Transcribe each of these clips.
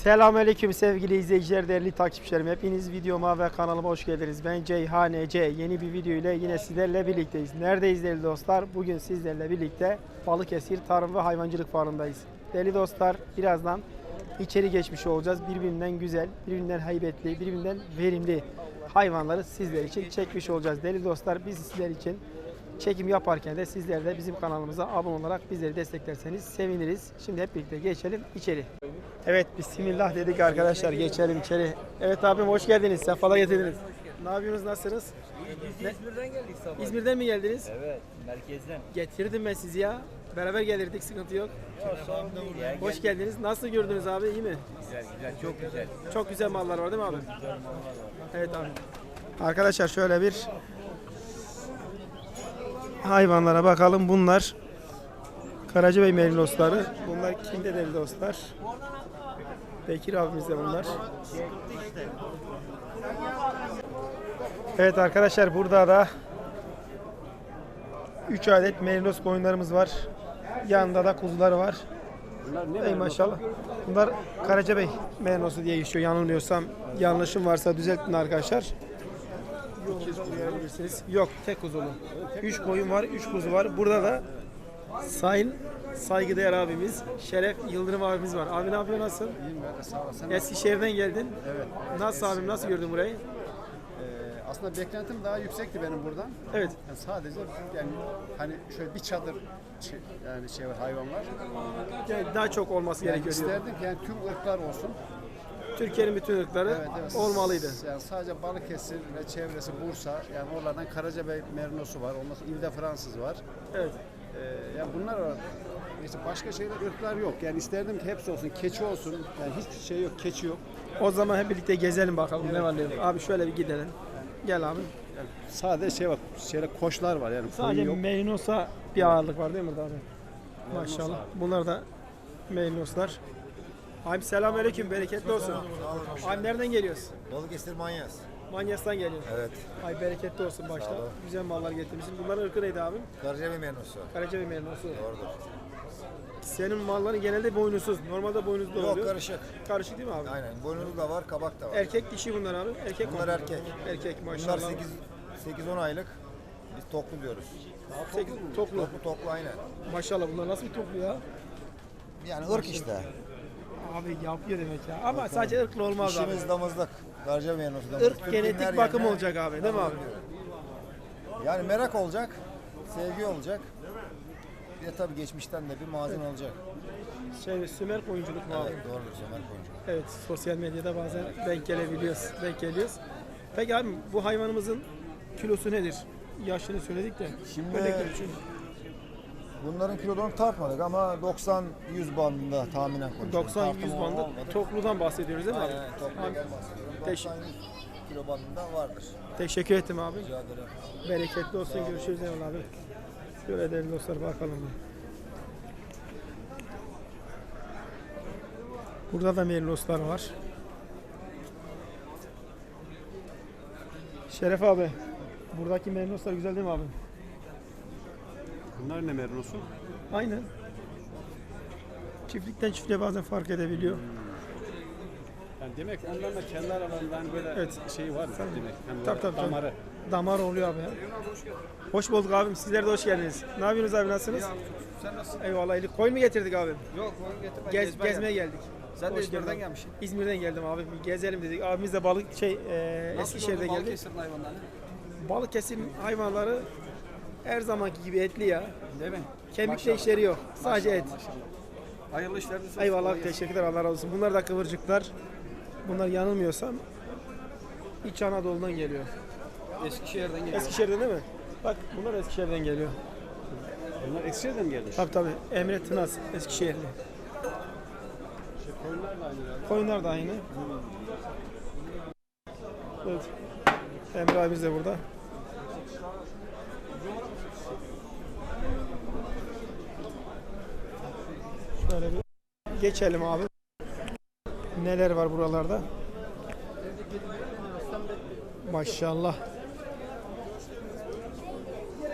Selamünaleyküm sevgili izleyiciler, değerli takipçilerim. Hepiniz videoma ve kanalıma hoş geldiniz. Ben Ceyhan Ece. Yeni bir video ile yine sizlerle birlikteyiz. Neredeyiz değerli dostlar? Bugün sizlerle birlikte Balıkesir Tarım ve Hayvancılık Fuarı'ndayız. Değerli dostlar, birazdan içeri geçmiş olacağız. Birbirinden güzel, birbirinden heybetli, birbirinden verimli hayvanları sizler için çekmiş olacağız. Değerli dostlar, biz sizler için çekim yaparken de sizler de bizim kanalımıza abone olarak bizleri desteklerseniz seviniriz. Şimdi hep birlikte geçelim içeri. Evet, bismillah dedik arkadaşlar, geçelim içeri. Evet abim, hoş geldiniz, sefalar getirdiniz. Ne yapıyorsunuz, nasılsınız? İzmir'den geldik sabah. İzmir'den mi geldiniz? Evet, merkezden. Getirdim ben sizi ya. Beraber gelirdik, sıkıntı yok. Ya, sorun değil ya. Hoş geldiniz. Nasıl gördünüz abi, iyi mi? Güzel, çok güzel. Çok güzel mallar var değil mi abi? Evet abi. Arkadaşlar şöyle bir hayvanlara bakalım. Bunlar Karacabey merilosları. Bunlar kimde değerli dostlar? Bekir abimiz de bunlar. Evet arkadaşlar, burada da 3 adet merinos koyunlarımız var. Yanında da kuzuları var. Ey maşallah. Bunlar Karacabey merinosu diye geçiyor. Yanılmıyorsam, yanlışım varsa düzeltin arkadaşlar. Yok, tek kuzulu. 3 koyun var, 3 kuzu var. Burada da sayın saygıdeğer abimiz Şeref Yıldırım abimiz var. Abi ne yapıyor, nasıl? İyiyim ben de, sağ olasın. Eskişehir'den geldin. Evet. Nasıl abim, nasıl gördün burayı? Aslında beklentim daha yüksekti benim buradan. Evet. Yani sadece yani hani şöyle bir çadır yani şey var, hayvan var. Yani daha çok olması Yani gerekiyor diyor. isterdim ki yani tüm ırklar olsun. Türkiye'nin bütün ırkları olmalıydı. Yani sadece Balıkesir ve çevresi, Bursa, yani oralardan Karacabey merinosu var. Ondan sonra İlde Fransız var. Evet. Yani bunlar var. İşte başka şeyler, ırklar yok. Yani isterdim ki hepsi olsun, keçi olsun. Yani hiçbir şey yok, keçi yok. O zaman hep birlikte gezelim bakalım ne var ne yok. Abi şöyle bir gidelim. Gel abi. Yani sadece şey var, şeyler koçlar var yani. Sadece koyun yok. merinosa bir ağırlık var değil mi burada abi? Maşallah. Bunlar da merinoslar. Abi selamünaleyküm, bereketli olsun. Abi nereden geliyoruz? Balıkesir Manyas. Manyas'tan geliyoruz. Evet. Ay bereketli olsun başta. olun. Güzel mallar getirmişsin. Bunların ırkı neydi abi? Karacabey Mernosu. Karacabey merinosu. Doğrudur. Senin malların genelde boynuzsuz. Normalde boynuzlu Yok, oluyor. karışık. Karışık değil mi abi? Aynen. Boynuzlu da var, kabak da var. Erkek dişi bunlar abi. Erkek Bunlar mi? erkek. Erkek Bunlar maşallah. 8-10 aylık. Biz toklu diyoruz. Toplu. Toklu aynen. Maşallah, bunlar nasıl bir toplu ya? Yani ırk işte. Abi yapıyor demek ya. Ama sadece ırklı olmaz abi. İşimiz damızlık. Karacabey Mernosu damızlık. Irk Türkiye'nin genetik her bakım yerine olacak abi, değil mi abi? Yani merak olacak. Sevgi olacak. Bir de tabii geçmişten de bir mazin olacak. Sümer koyunculuk mu abi? Evet, doğrudur. Semer Koyuncu. Evet, sosyal medyada bazen denk geliyoruz. Peki abi, bu hayvanımızın kilosu nedir? Yaşını söyledik de. Şimdi- Örnek için. Bunların kilolarını tartmadık ama 90-100 bandında tahminen konuşuyoruz. 90-100 Tartımı bandı olmadı. topludan bahsediyoruz değil mi abi? Aynen, topludan bahsediyorum. 90-100 kilo bandında vardır. Teşekkür ettim abi. Rica ederim. Bereketli olsun. Görüşürüz eyvallah abi. Şöyle değerli dostlar, bakalım. Burada da meriloslar var. Şeref abi, buradaki merinoslar güzel değil mi abi? Bunlar ne merinosu? Aynen. Çiftlikten çiftliğe bazen fark edebiliyor. Yani demek onların da kendi aralarında hani böyle Evet. şey var demek. Hem Tabii. damarı. Damar oluyor abi ya. Hoş bulduk abim. Sizler de hoş geldiniz. Ne yapıyorsunuz abi, nasılsınız? Sen nasılsın? Eyvallah. Koyun mu getirdik abi? Yok, koyun getirme. Gezmeye geldik. Sen de Hoş İzmir'den geldin. gelmişsin. İzmir'den geldim abi. Bir gezelim dedik. Abimiz de Eskişehir'de geldi. Balıkesir'in hayvanları? Balıkesir'in hayvanları her zamanki gibi etli ya. Değil mi? Kemikle işleri yok. Sadece et. Hayırlı işler de Eyvallah, teşekkürler, Allah razı olsun. Bunlar da kıvırcıklar. Bunlar yanılmıyorsam İç Anadolu'dan geliyor. Eskişehir'den geliyor. Eskişehir'den değil mi? Bak, bunlar Eskişehir'den geliyor. Bunlar Eskişehir'den mi gelmiş? Tabii. Emre Tınaz Eskişehirli. Koyunlar da aynı yani. Koyunlar da aynı. Evet. Emre abimiz de burada. Şöyle bir geçelim abi. Neler var buralarda? Maşallah.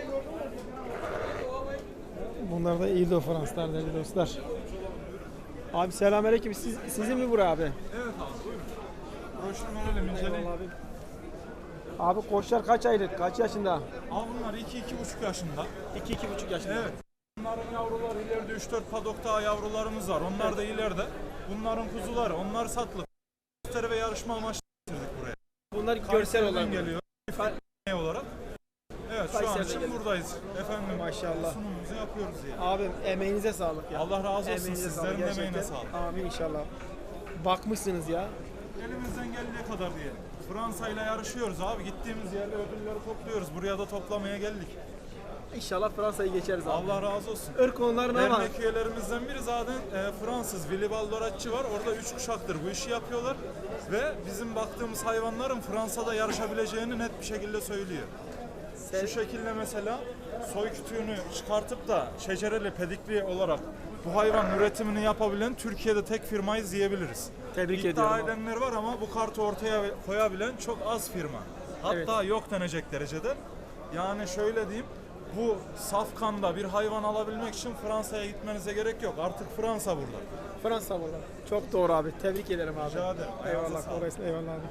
Bunlar da İl de Fransızlar değerli dostlar. Abi selamünaleyküm. Sizin mi bura abi? Evet abi buyurun. Broşürünü verelim inceleyin. Eyvallah abi. Abi koçlar kaç aylık? Kaç yaşında? Abi bunlar 2-2,5 yaşında. 2-2,5 yaşında. Evet. Bunların yavruları ileride 3-4 padok daha yavrularımız var. Onlar da ileride. Bunların kuzuları. Onlar satılık. Gösteri ve yarışma amaçlı getirdik buraya. Bunlar görsel Kayseri'den olarak geliyor. Olarak. Evet şu an Kayseri'den için geliyor. buradayız. Efendim Maşallah. sunumumuzu yapıyoruz yani. Abim emeğinize sağlık ya. Allah razı olsun. Emeğinize Sizlerin sağlık emeğine gerçekten. sağlık. Amin inşallah. Bakmışsınız ya. Elimizden geldiği kadar diyelim. Fransa ile yarışıyoruz abi. Gittiğimiz yerle ödülleri topluyoruz. Buraya da toplamaya geldik. İnşallah Fransa'yı geçeriz abi. Allah razı olsun. Irk konularına ama Dernek üyelerimizden biri zaten Fransız Willy Baldoratçı var. Orada 3 kuşaktır bu işi yapıyorlar. Ve bizim baktığımız hayvanların Fransa'da yarışabileceğini net bir şekilde söylüyor. Şu şekilde mesela soy kütüğünü çıkartıp da şecereli, pedikli olarak bu hayvan üretimini yapabilen Türkiye'de tek firmayız diyebiliriz. Tebrik İddia ediyorum abi. edenler var ama bu kartı ortaya koyabilen çok az firma. Hatta yok denecek derecede. Yani şöyle diyeyim, bu safkanda bir hayvan alabilmek için Fransa'ya gitmenize gerek yok. Artık Fransa burada. Fransa burada. Çok doğru abi. Tebrik ederim abi. Rica ederim. Ayağınıza Eyvallah. sağlık. Kolayısın. Eyvallah abi.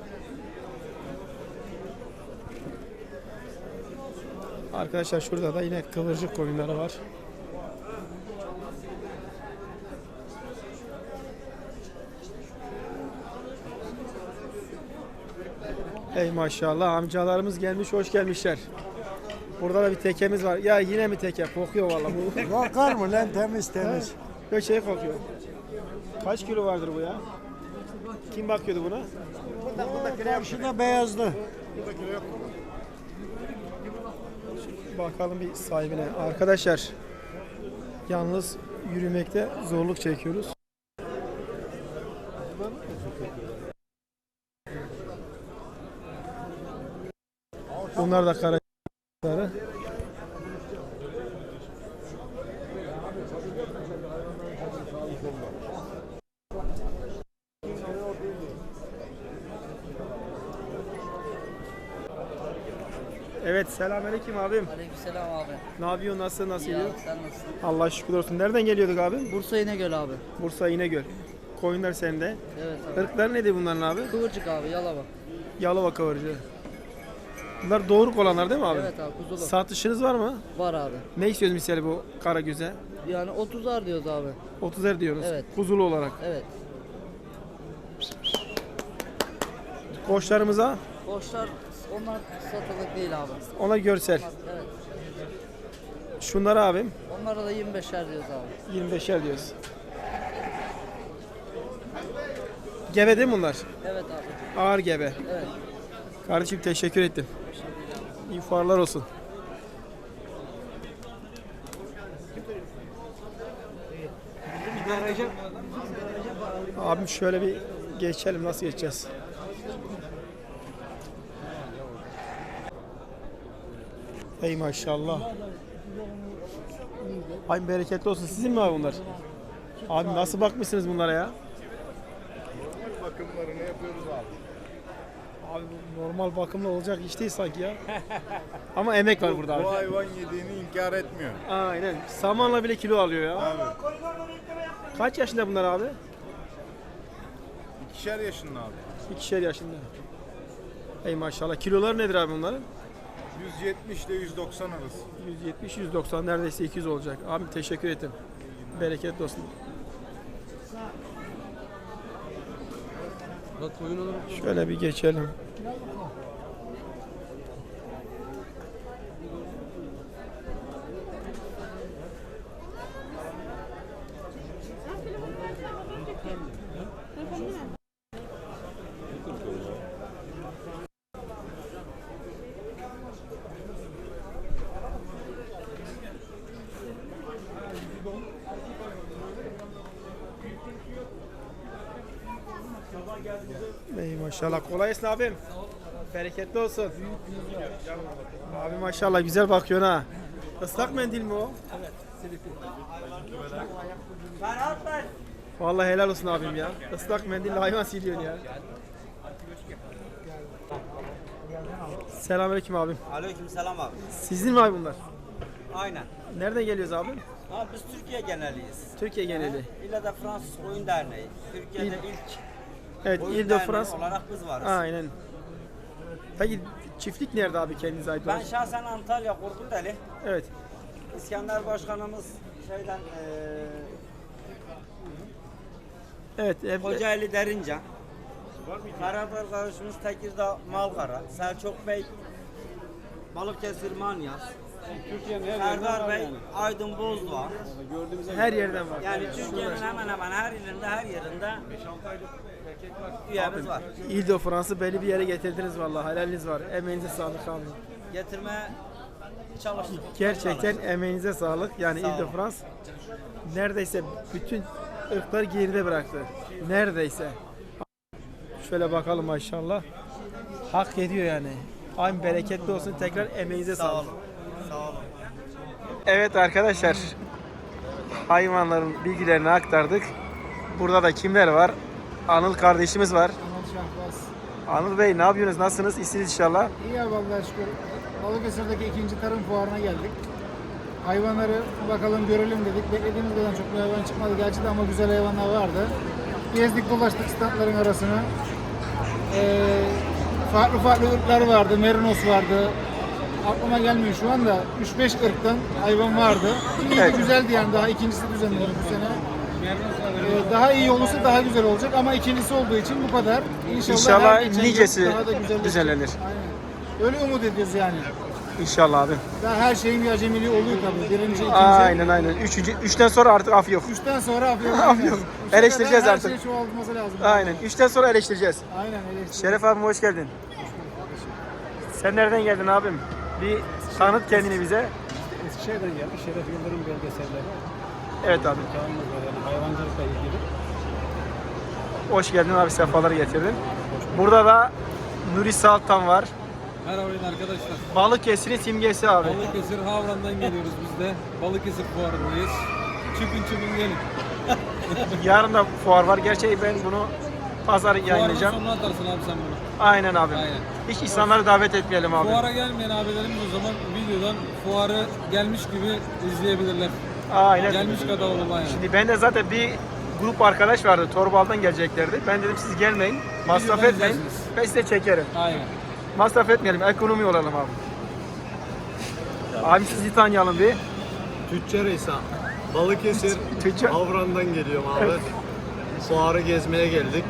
Arkadaşlar şurada da yine kıvırcık koyunları var. Ey maşallah amcalarımız gelmiş, hoş gelmişler. Burada da bir tekemiz var. Ya yine mi teke? Kokuyor vallahi bu. Bakar mı lan temiz temiz. Böyle şey kokuyor. Kaç kilo vardır bu ya? Kim bakıyordu buna? Karşıda beyazlı. Bakalım bir sahibine. Arkadaşlar yalnız yürümekte zorluk çekiyoruz. Bunlar da karaları. Evet, selamünaleyküm abim. Aleykümselam abi. Ne yapıyorsun? Nasıl İyi gidiyor? abi, sen nasılsın? Allah şükür olsun. Nereden geliyorduk abi? Bursa İnegöl abi. Bursa İnegöl. Koyunlar sende. Evet abi. Irklar nedir bunların abi? Kıvırcık abi, Yalova. Yalova kıvırcığı. Bunlar doğruk olanlar değil mi abi? Evet abi, kuzulu. Satışınız var mı? Var abi. Ne istiyoruz misali bu Karagöz'e? Yani 30'ar diyoruz abi. 30'er diyoruz. Evet. Kuzulu olarak. Evet. Koçlarımıza Boşlar, onlar satılık değil abi. ona görsel. Evet. Şunlara abim Onlara da 25'er diyoruz abi. 25'er diyoruz. Gebe değil mi bunlar? Evet abi. Ağır gebe. Evet. Kardeşim teşekkür ettim. İyi fuarlar olsun. Abim şöyle bir geçelim. Nasıl geçeceğiz? Ey maşallah. Ay bereketli olsun. Sizin mi abi bunlar? Abi nasıl bakmışsınız bunlara ya? Bakımlarını yapıyoruz abi. Abi bu normal bakımla olacak iş değil sanki ya. Ama emek var burada abi. Bu hayvan yediğini inkar etmiyor. Aynen. Samanla bile kilo alıyor ya. Abi. Kaç yaşında bunlar abi? 2'şer yaşında abi. 2'şer yaşında. Ey maşallah. Kilolar nedir abi bunların? 170 ile 190 arası. 170-190 neredeyse 200 olacak. Abi teşekkür ettim. Bereketli olsun. Şöyle bir geçelim. Ey maşallah. Kolay gelsin abim. Bereketli olsun. Abi maşallah güzel bakıyorsun ha. Islak mendil mi o? Evet. Vallahi helal olsun abim ya. Islak mendille hayvan siliyorsun ya. Selamünaleyküm abim. Aleykümselam abi. Sizin mi abi bunlar? Aynen. Nereden geliyoruz abi? Ha, biz Türkiye geneliyiz. Türkiye geneli. İlla da Fransız Oyun Derneği. Türkiye'de ilk Evet, oyun Ile de derneği France. olarak biz varız. Aynen. Peki çiftlik nerede abi kendinize ait Ben olan? şahsen Antalya Korkuteli. Evet. İskender Başkanımız şeyden Evet. Kocaeli Derincan. Karadağ arkadaşımız Tekirdağ Malkara. Selçuk Bey Balıkesir Manyas. Türkiye'nin her Serdar Bey Aydın Bozdoğan. Her yerden var. Yani Türkiye'nin hemen hemen her yerinde üyemiz var. Ile de France'ı belli bir yere getirdiniz vallahi. Helaliniz var. Emeğinize sağlık abi. Getirmeye çalıştık. Gerçekten emeğinize sağlık. Yani Sağ Ile de olun. France neredeyse bütün ırkları geride bıraktı. Neredeyse. Şöyle bakalım maşallah. Hak ediyor yani. Aynı bereketli olsun. Tekrar emeğinize Sağ sağlık. olun. Sağ olun. Evet arkadaşlar. Hayvanların bilgilerini aktardık. Burada da kimler var? Anıl kardeşimiz var. Anıl Bey ne yapıyorsunuz? Nasılsınız? İyisiniz inşallah. İyi ya vallahi şükür. Balıkesir'deki 2. Tarım Fuarı'na geldik. Hayvanları bakalım görelim dedik. Beklediğimiz kadar çok bir hayvan çıkmadı gerçi de ama güzel hayvanlar vardı. Gezdik dolaştık standların arasını. Farklı farklı ırklar vardı. Merinos vardı. Aklıma gelmiyor şu anda. 3-5 ırktan hayvan vardı. İyiydi, Evet. güzeldi yani. Daha ikincisi düzenlenir bu sene. Daha iyi olursa daha güzel olacak ama ikincisi olduğu için bu kadar. İnşallah her geçen gün nicesi daha da güzelleşecek. düzenlenir. Aynen. Öyle umut ediyoruz yani. İnşallah abi. Daha her şeyin bir acemiliği oluyor tabii. Birinci, ikinci. Aynen. Üçten sonra artık af yok. Üçten sonra afiyet Af yok. Eleştireceğiz artık. Her şey çoğaltması lazım. Aynen. Üçten sonra eleştireceğiz. Aynen eleştireceğiz. Şeref abim hoş geldin. Sen nereden geldin abim? Bir tanıt kendini bize. Eskişehir'den geldik. Şeref Yıldırım belgeselleri. Evet abi. Kanunumuz var yani hayvancılıkla ilgili. Hoş geldin abi. Sefaları getirdin. Burada da Nuri Saltan var. Merhaba arkadaşlar. Balıkesir'in simgesi abi. Balıkesir Havran'dan geliyoruz biz de. Balıkesir fuarındayız. Çıkın gelin. Yarın da fuar var. Gerçi ben bunu pazar Fuarın yayınlayacağım. sonuna atarsın abi sen bunu. Aynen abi. Aynen. Hiç insanları davet etmeyelim abi. Fuara gelmeyen abilerimiz o zaman videodan fuarı gelmiş gibi izleyebilirler. Aynen. Gelmiş kadar olurlar yani. Şimdi ben de zaten bir grup arkadaş vardı. Torbal'dan geleceklerdi. Ben dedim siz gelmeyin. Masraf Videodan etmeyin. izlersiniz. Ben size çekerim. Aynen. Masraf etmeyelim. Ekonomi olalım abi. Abi sizi tanıyalım bir. Tüccar İsa. Balıkesir Tüccar. Havran'dan geliyorum abi. Fuarı gezmeye geldik.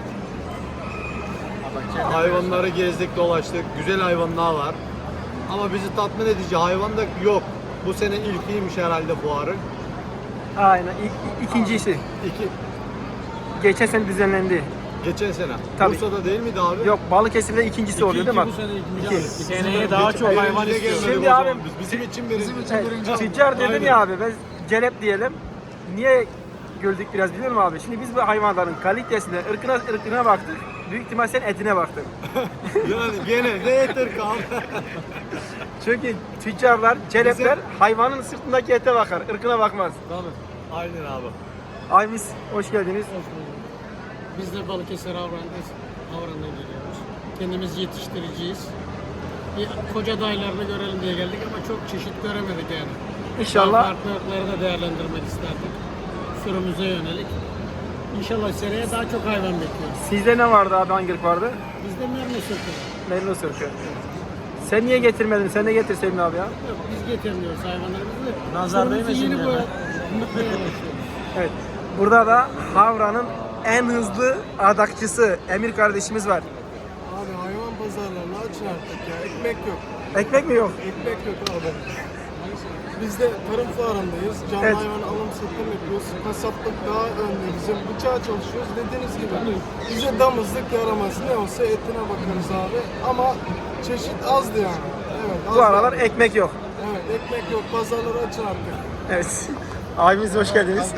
Hayvanları gezdik, dolaştık. Güzel hayvanlar var. Ama bizi tatmin edici hayvan da yok. Bu sene ilkiymiş herhalde fuarın. Aynen. İkincisi. İki, Geçen sene düzenlendi. geçen sene. Tabii. Bursa'da değil miydi abi? Yok Balıkesir'de ikincisi oluyor değil mi? Bu sene İki. Seneye daha çok hayvan istiyoruz. Şimdi Şimdi abi- abi bizim için birinci. Evet, tüccar dedin ya abi. Ben celep diyelim. Niye güldük biraz biliyor musun abi? Şimdi biz bu hayvanların kalitesine, ırkına baktık. Büyük ihtimal sen etine baktın. Yani gene ne yeter kaldı. Çünkü tüccarlar, celepler hayvanın sırtındaki ete bakar, ırkına bakmaz. Aynen abi. Aymis, hoş geldiniz. Biz de Balıkesir Havran'dan geliyoruz. Kendimiz yetiştiriciyiz. Bir koca dayılarını görelim diye geldik ama çok çeşit göremedik yani. İnşallah Farklı ırkları da değerlendirmek isterdik. Sürümüze yönelik. İnşallah seneye daha çok hayvan bekliyoruz. sizde ne vardı abi, hangi ırk vardı? Bizde mermi sırtı. Merinos ırkı. Sen niye getirmedin? Sen de getirseydin abi ya. Yok biz getirmiyoruz hayvanlarımızı. Nazar Sürümüzü değmesin yeni yani. boyatmaya başlıyoruz. Evet. Burada da Havran'ın en hızlı adakçısı Emir kardeşimiz var. Abi hayvan pazarlarını açın artık ya. Ekmek yok. Ekmek mi yok? Ekmek yok abi. Biz de tarım fuarındayız. Canlı Evet. hayvan alım satım yapıyoruz. Kasaplık daha önde. Bizim bıçağa çalışıyoruz. Dediğiniz gibi bize damızlık yaramaz. Ne olsa etine bakarız abi. Ama çeşit azdı yani. Evet, az Bu aralar yani. ekmek yok. Evet, ekmek yok. Pazarları açın artık. Evet. Abimiz hoş geldiniz.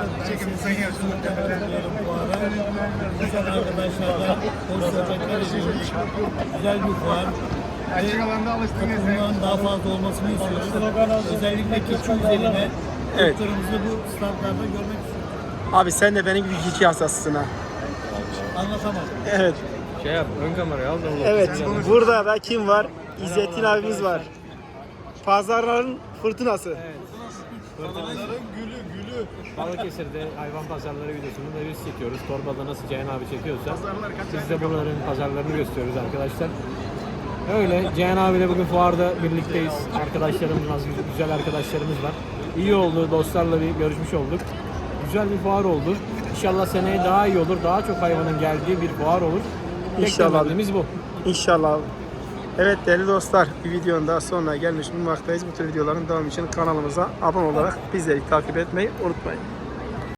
Güzel arkadaşlarla sohbetler ediyoruz. Güzel bir fuar. Açık alanda alıştınız ya. Bundan daha fazla olmasını istiyoruz. Özellikle keçi üzerine Evet. ırklarımızı bu standlarda görmek istiyoruz. Abi sen de benim gibi keçi hastasısın ha. Anlatamam. Evet. Şey yap, ön kamerayı al da Evet. Burada da kim var? İzzettin abimiz var. Pazarların fırtınası. Pazarların gülü Balıkesir'de hayvan pazarları videosunu da biz çekiyoruz. Torbada nasıl Ceyhan abi çekiyorsa biz de bunların pazarlarını gösteriyoruz arkadaşlar. Öyle Ceyhan abiyle bugün fuarda birlikteyiz. Arkadaşlarımız, güzel arkadaşlarımız var. İyi oldu, dostlarla bir görüşmüş olduk. Güzel bir fuar oldu. İnşallah seneye daha iyi olur, daha çok hayvanın geldiği bir fuar olur. İnşallah. Beklentimiz bu. İnşallah abi. Evet değerli dostlar, bir videonun daha sonuna gelmiş bulunmaktayız. Bu tür videoların devamı için kanalımıza abone olarak bizleri takip etmeyi unutmayın.